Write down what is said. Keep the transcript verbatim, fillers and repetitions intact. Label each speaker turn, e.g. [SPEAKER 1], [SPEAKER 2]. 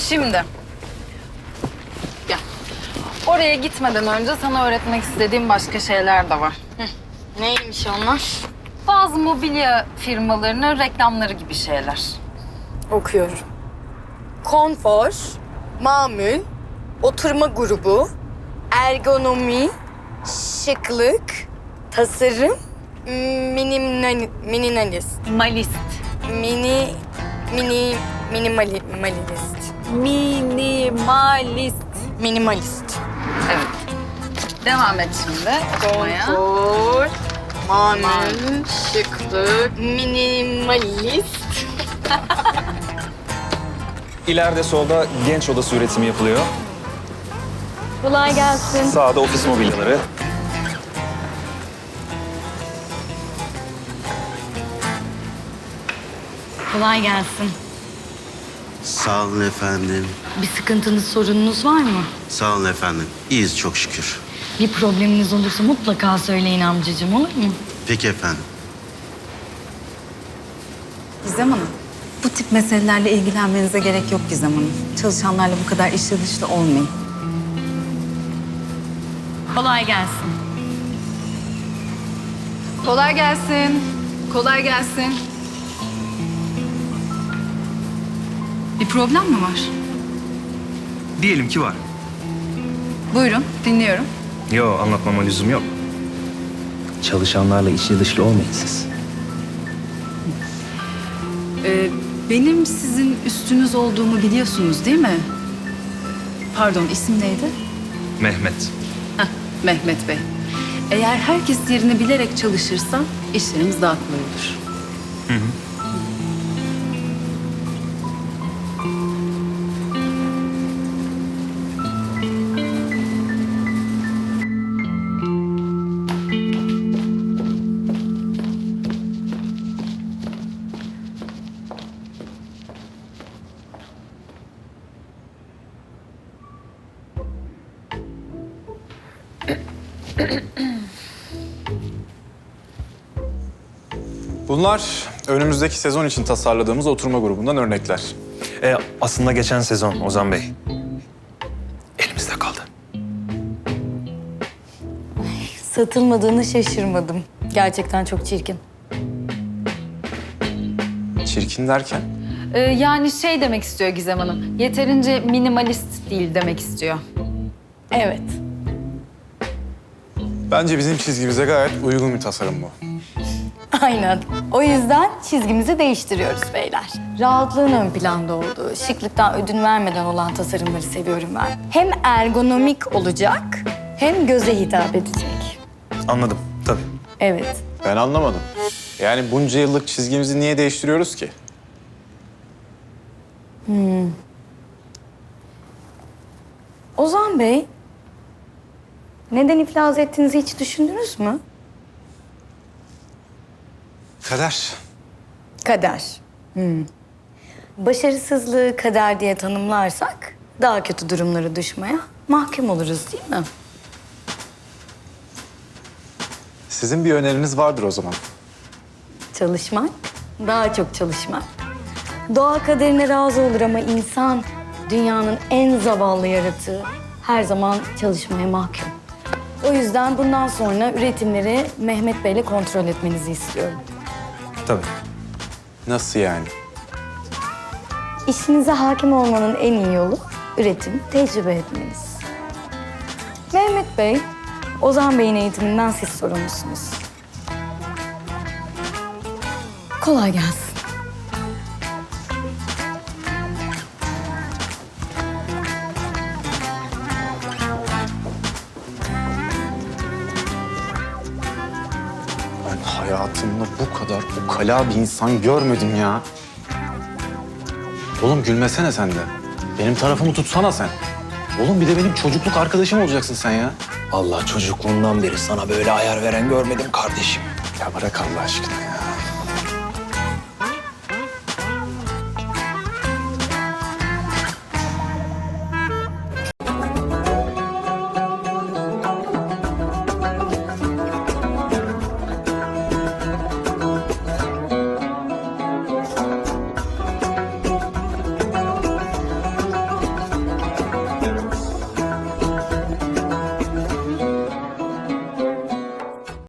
[SPEAKER 1] Şimdi. Gel. Oraya gitmeden önce sana öğretmek istediğim başka şeyler de var.
[SPEAKER 2] Neymiş onlar?
[SPEAKER 1] Bazı mobilya firmalarının reklamları gibi şeyler.
[SPEAKER 2] Okuyorum. Konfor, mamül, oturma grubu, ergonomi, şıklık, tasarım, minimal, minimalist,
[SPEAKER 1] Malist.
[SPEAKER 2] mini, mini, minimali, minimalist,
[SPEAKER 1] Minimalist.
[SPEAKER 2] minimalist.
[SPEAKER 1] Evet. Devam et şimdi okumaya.
[SPEAKER 2] Konfor, mamül, şıklık, minimalist.
[SPEAKER 3] İleride solda genç odası üretimi yapılıyor.
[SPEAKER 2] Kolay gelsin.
[SPEAKER 3] Sağda ofis mobilyaları.
[SPEAKER 2] Kolay gelsin.
[SPEAKER 4] Sağ olun efendim.
[SPEAKER 2] Bir sıkıntınız, sorununuz var mı?
[SPEAKER 4] Sağ olun efendim. İyiyiz çok şükür.
[SPEAKER 2] Bir probleminiz olursa mutlaka söyleyin amcacığım, olur mu?
[SPEAKER 4] Peki efendim.
[SPEAKER 5] Gizem Hanım, bu tip meselelerle ilgilenmenize gerek yok Gizem Hanım. Çalışanlarla bu kadar içli dışlı olmayın.
[SPEAKER 2] Kolay gelsin.
[SPEAKER 1] Kolay gelsin. Kolay gelsin. Bir problem mi var?
[SPEAKER 3] Diyelim ki var.
[SPEAKER 1] Buyurun, dinliyorum.
[SPEAKER 3] Yo, anlatmama lüzum yok. Çalışanlarla içli dışlı olmayın siz.
[SPEAKER 5] Ee, benim sizin üstünüz olduğumu biliyorsunuz değil mi? Pardon, isim neydi?
[SPEAKER 3] Mehmet.
[SPEAKER 5] Heh, Mehmet Bey. Eğer herkes yerini bilerek çalışırsa işlerimiz daha kolay olur.
[SPEAKER 6] Bunlar önümüzdeki sezon için tasarladığımız oturma grubundan örnekler.
[SPEAKER 3] E, aslında geçen sezon Ozan Bey. Elimizde kaldı.
[SPEAKER 2] Satılmadığını şaşırmadım. Gerçekten çok çirkin.
[SPEAKER 6] Çirkin derken?
[SPEAKER 1] Ee, yani şey demek istiyor Gizem Hanım. Yeterince minimalist değil demek istiyor.
[SPEAKER 2] Evet.
[SPEAKER 6] Bence bizim çizgimize gayet uygun bir tasarım bu.
[SPEAKER 2] Aynen. O yüzden çizgimizi değiştiriyoruz beyler. Rahatlığın ön planda olduğu, şıklıktan ödün vermeden olan tasarımları seviyorum ben. Hem ergonomik olacak, hem göze hitap edecek.
[SPEAKER 3] Anladım, tabii.
[SPEAKER 2] Evet.
[SPEAKER 6] Ben anlamadım. Yani bunca yıllık çizgimizi niye değiştiriyoruz ki?
[SPEAKER 2] Ozan Bey, neden iflas ettiğinizi hiç düşündünüz mü?
[SPEAKER 6] Kader.
[SPEAKER 2] Kader. Hmm. Başarısızlığı kader diye tanımlarsak daha kötü durumlara düşmeye mahkum oluruz değil mi?
[SPEAKER 6] Sizin bir öneriniz vardır o zaman.
[SPEAKER 2] Çalışmak, daha çok çalışmak. Doğa kaderine razı olur ama insan dünyanın en zavallı yaratığı her zaman çalışmaya mahkum. O yüzden bundan sonra üretimleri Mehmet Bey'le kontrol etmenizi istiyorum.
[SPEAKER 3] Tabii.
[SPEAKER 6] Nasıl yani?
[SPEAKER 2] İşinize hakim olmanın en iyi yolu üretim, tecrübe etmeniz. Mehmet Bey, Ozan Bey'in eğitiminden siz sorumlusunuz. Kolay gelsin.
[SPEAKER 6] Ben hayatımda bu kadar ukala bir insan görmedim ya. Oğlum gülmesene sen de. Benim tarafımı tutsana sen. Oğlum bir de benim çocukluk arkadaşım olacaksın sen ya.
[SPEAKER 7] Allah çocukluğundan beri sana böyle ayar veren görmedim kardeşim.
[SPEAKER 6] Ya bırak Allah aşkına ya.